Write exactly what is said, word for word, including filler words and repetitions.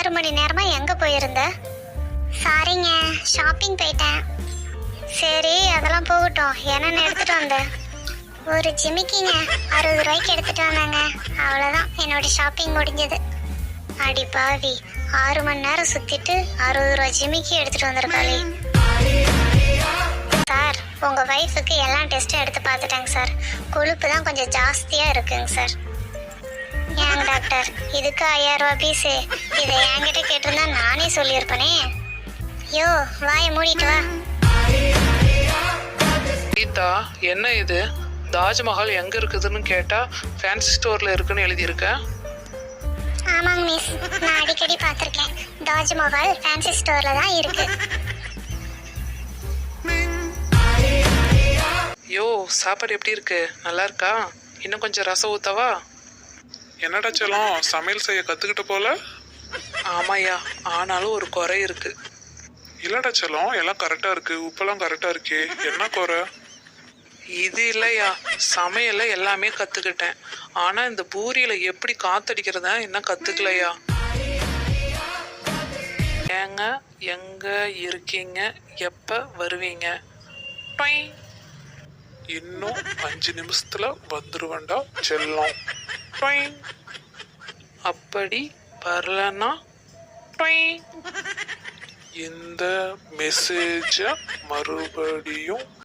ஆறு மணி நேரமா எங்க போயிருந்த? சாரிங்க, ஷாப்பிங் போயிட்டேன். சரி, அதெல்லாம் போகட்டும். என்னென்ன எடுத்துட்டு வந்த? ஒரு ஜிமிக்கிங்க, அறுபது ரூபாய்க்கு எடுத்துட்டு வந்தாங்க. அவ்வளோதான், என்னோட ஷாப்பிங் முடிஞ்சது. அடி பாவி, ஆறு மணி நேரம் சுத்திட்டு அறுபது ரூபாய் ஜிமிக்கி எடுத்துட்டு வந்திருக்காளே. சார், உங்க வைஃபுக்கு எல்லா டெஸ்ட்டும் எடுத்து பார்த்துட்டாங்க சார். கொழுப்பு தான் கொஞ்சம் ஜாஸ்தியா இருக்குங்க சார். ஏங்க டாக்டர், இதுக்கு ஐயாயிரம் ரூபாய் பீஸு? இதை என்கிட்ட கேட்டிருந்தா நானே சொல்லியிருப்பேனே. யோ, வாயை மூடிட்டு வா. கீதா, என்ன இது? தாஜ்மஹால் எங்க இருக்குதுன்னு கேட்டா ஃபேன்சி ஸ்டோர்ல இருக்குன்னு எழுதியிருக்க. ஆமாங்க மிஸ், நான் அடிக்கடி பார்த்துருக்கேன். தாஜ்மஹால் ஃபேன்சி ஸ்டோர்ல தான் இருக்கு. யோ, சாப்பாடு எப்படி இருக்கு? நல்லா இருக்கா? இன்னும் கொஞ்சம் ரசம் ஊத்தவா? என்னடா செல்லம், சமையல் செய்ய கத்துக்கிட்ட போல? ஆமாய்யா, ஆனாலும் ஒரு குறை இருக்கு. இல்லடா செல்லம், எல்லாம் கரெக்டா இருக்கு. உப்பெல்லாம் கரெக்டா இருக்கே, என்ன குறை? இது இல்லையா, சமையல்ல எல்லாமே கத்துக்கிட்டேன். ஆனா இந்த பூரியில எப்படி காத்தடிக்கிறதா என்ன கத்துக்கலையா. ஏங்க, எங்க இருக்கீங்க? எப்ப வருவீங்க? டொய். இன்னும் அஞ்சு நிமிஷத்துல வந்துருவேன்டா செல்லம். டொய். அப்படி வரலன்னா டொய். இந்த மெசேஜ மறுபடியும்